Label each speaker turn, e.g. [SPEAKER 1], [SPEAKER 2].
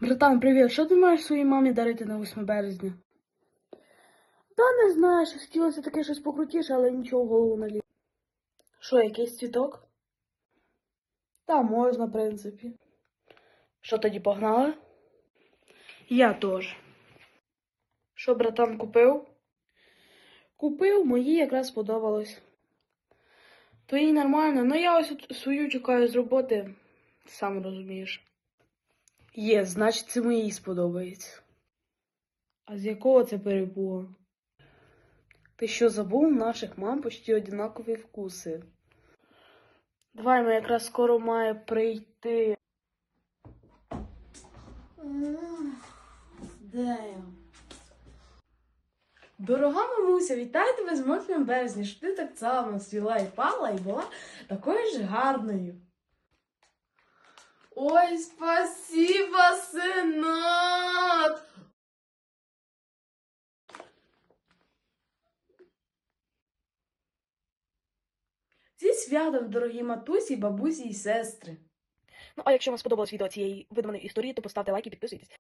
[SPEAKER 1] Братан, привіт! Що ти маєш своїй мамі дарити на 8 березня? Та не знаю, що хотілося таке щось покрутіше, але нічого в голову не лізе. Що, якийсь цвіток? Та можна, в принципі. Що тоді погнали? Я теж. Що, братан, купив? Купив, мої якраз сподобалось. Твої нормально, ну я ось свою чекаю з роботи, сам розумієш. Є, значить, це моїй сподобається. А з якого це перепугу? Ти що забув? У наших мам почти однакові вкуси. Давай, ми якраз скоро має прийти.
[SPEAKER 2] Дорога мамуся, вітаю тебе з 8 березня, що ти так само свіла і пала і була такою ж гарною. Ой, спасибо, синок! Зі святом, дорогі матусі, бабусі і сестри.
[SPEAKER 3] Ну, а якщо вам сподобалось відео цієї видуманої історії, то поставте лайк і підписуйтесь.